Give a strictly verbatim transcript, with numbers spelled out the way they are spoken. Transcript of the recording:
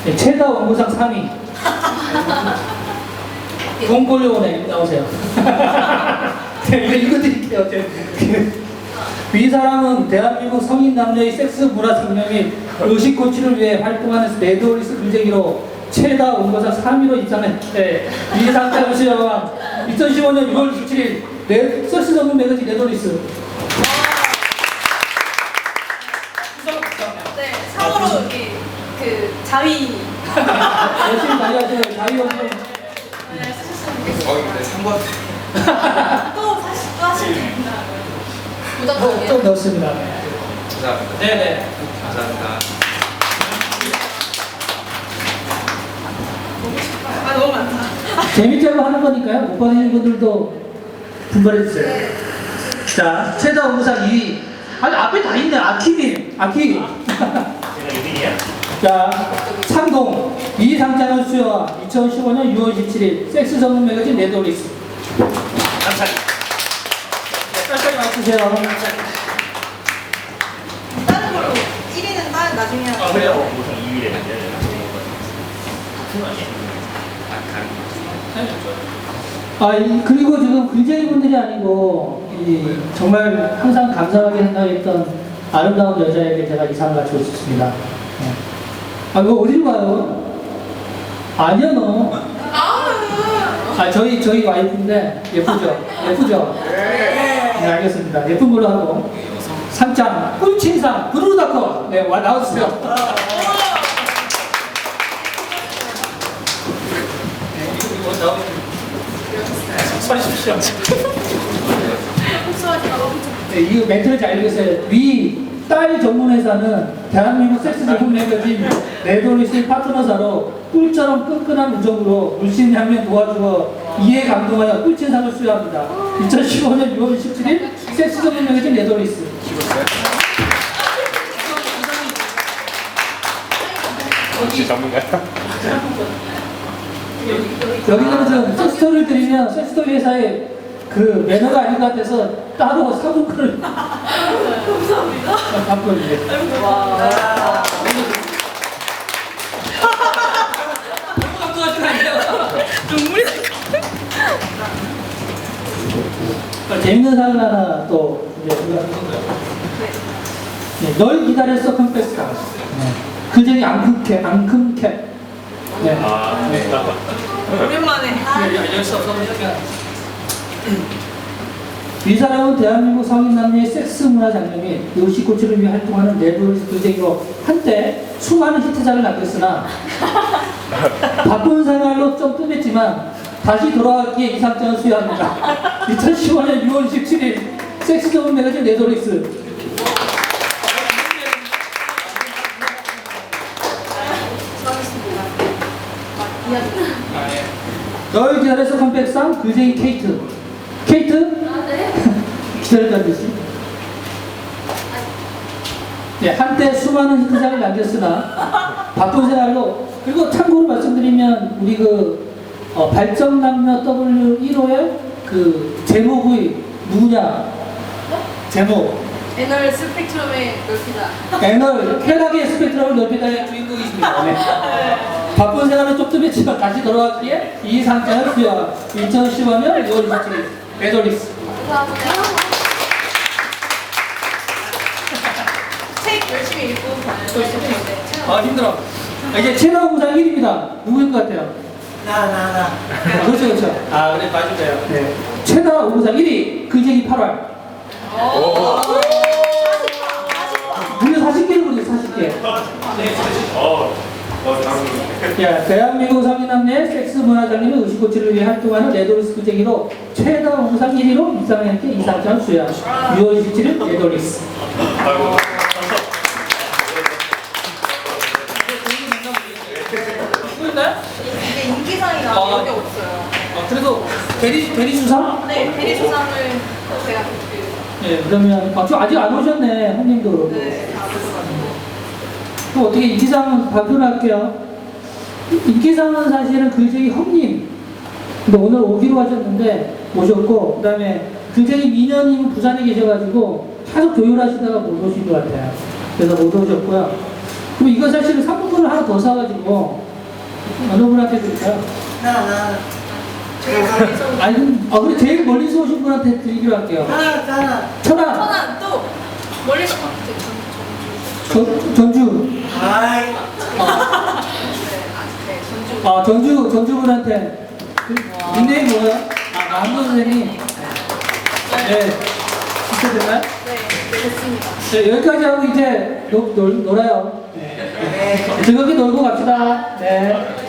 네, 최다 원고상 삼 위. 동골려오네, 나오세요. 네, 이거 읽어드릴게요. 이 사람은 대한민국 성인 남녀의 섹스 문화 장려 및 의식 고취를 위해 활동하는 네드올리스 글쟁이로 최다 원고상 삼 위로 입상했는데, 이 상태로 수여한 이천십오 년 유월 이십칠일 네, 섹스 전문 매거진 네드올리스. 네, 참고로 여기 그 자위 열심히 다녀가세요. 자유원님. 네, 쓰셨으면 좋겠어요. 어, 근데 삼 번. 또 사실 또 하시면 됩니다. 어, 무조건 좀 넣었습니다. 감사합니다. 네네. 감사합니다. 아 너무 많다. 재밌자고 하는 거니까요. 못 받으신 분들도 분발해주세요. 자, 최다 원고상 이 위. 아니, 앞에 다 있네. 아키님. 아키. 제가 일 등이야? 자, 창동. 이 상장을 수여한 이천십오 년 유월 이십칠일 섹스 전문 매거진 네드올리스. 감사합니다. 빨리 맞추세요. 다른 걸로 일 위는 나, 나중에 아, 하고. 그래요? 우선 이 위래 문제야. 아, 이, 그리고 지금 글쟁이 분들이 아니고, 이, 정말 항상 감사하게 생각했던 아름다운 여자에게 제가 이 상을 가지고 싶습니다. 네. 아, 이거 어디로 가요? 아니요, 너. 아, 저희, 저희 와이프인데, 예쁘죠? 예쁘죠? 네, 알겠습니다. 예쁜 걸로 하고. 상장, 꿀친상, 브루다커. 네, 와, 나와주세요. 수고하십시오. 복수하지 말고. 네, 이거 멘트를 잘 읽으세요. 위, 딸 전문 회사는 대한민국 섹스 제품 매거진 네드올리스 파트너사로 꿀처럼 끈끈한 우정으로 물씬 향면 도와주어 이에 감동하여 꿀친상을 수여합니다. 이천십오 년 유월 이십칠일 섹스 전문 매거진 네드올리스. 혹시 전문가요? 여기는 좀 섹스토리를 드리면 섹스토리 회사에 그 매너가 아닌 것 같아서 따로 사본권을 감사합니다. 갖고 있는데. 와. 눈물이 나. 재밌는 사연 하나 또 이제 우리가 네, 널 기다렸어 컴패스가. 네. 그 중에 앙큼캡, 앙큼캡. 네. 아, 네. 오랜만에. 이 사람은 대한민국 성인 남녀의 섹스 문화 장려 및 의식 고취를 위해 활동하는 네드올리스 글쟁이로 한때 수많은 히트작을 남겼으나 바쁜 생활로 좀 뜸했지만 다시 돌아왔기에 이 상장을 수여합니다. 이천십오 년 유월 이십칠일 섹스 전문 매거진 네드올리스. 널 기다려서 컴백상 글쟁이 케이트. 케이트? 기다렸다는 듯이. 네, 한때 수많은 히트작을 남겼으나 바쁜 생활로. 그리고 참고로 말씀드리면 우리 그 어, 발정남녀 더블유 일 호의 그 제목이 누구냐? 제목. 애널 스펙트럼의 넓히다. 애널 쾌락의 스펙트럼을 넓히다의 주인공이십니다. 네. 바쁜 생활은 좀 뜸했지만 다시 돌아왔기에 이 상장을 수여. 이천십오 년 유월 이십칠일 네드올리스. 감사합니다. 책 열심히 읽고 또 있었는데. 아, 힘들어. 아, 이제 최다 우상 일 위입니다. 누구인 것 같아요? 나, 나, 나. 아, 그렇죠, 그렇죠. 아, 그래, 맞으세요. 네. 최다 우상 일 위, 글쟁이 팔월. 무려 사십 개를 부르죠, 사십 개. 어, 어, 다음. 야, 대한민국 성인 남녀의 섹스 문화 장려및 의식 고취를 위해 활동하는 네드올리스 글쟁이로 최다 우상 일 위로 입상했기에 이 상장을 수여. 유월 이십칠일 네드올리스. 아이고. 누구인가요? 이게 인기상이라 아. 여기 없어요. 아, 그래도 대리, 대리 수상? 네, 대리조상을 제가 드릴게요. 네, 그러면, 아, 저 아직 안 오셨네, 형님도. 네, 다 들어가지고. 또 어떻게 인기상 발표를 할게요. 인기상은 사실은 글쟁이 형님. 근데 오늘 오기로 하셨는데, 오셨고, 그 다음에 글쟁이 미녀님은 부산에 계셔가지고, 계속 조율하시다가 못 오신 것 같아요. 그래서 못 오셨고요. 그럼 이거 사실은 상품권을 하나 더 사가지고 어느 분한테 드릴까요? 나, 나. 제일 멀리서 오는 아니, 그럼, 아, 그래, 제일 멀리서 오신 분한테 드리기로 할게요. 나, 나. 천안, 천안 또 멀리서 봤지. 전, 전주, 아이. 네, 아, 네, 전주. 아, 전주, 전주분한테. 닉네임 뭐예요? 아, 남도 선생님. 네. 진짜 되나요? 네, 네, 됐습니다. 네, 여기까지 하고 이제 놀, 놀, 놀아요. 네. 즐겁게 놀고 갑시다. 네.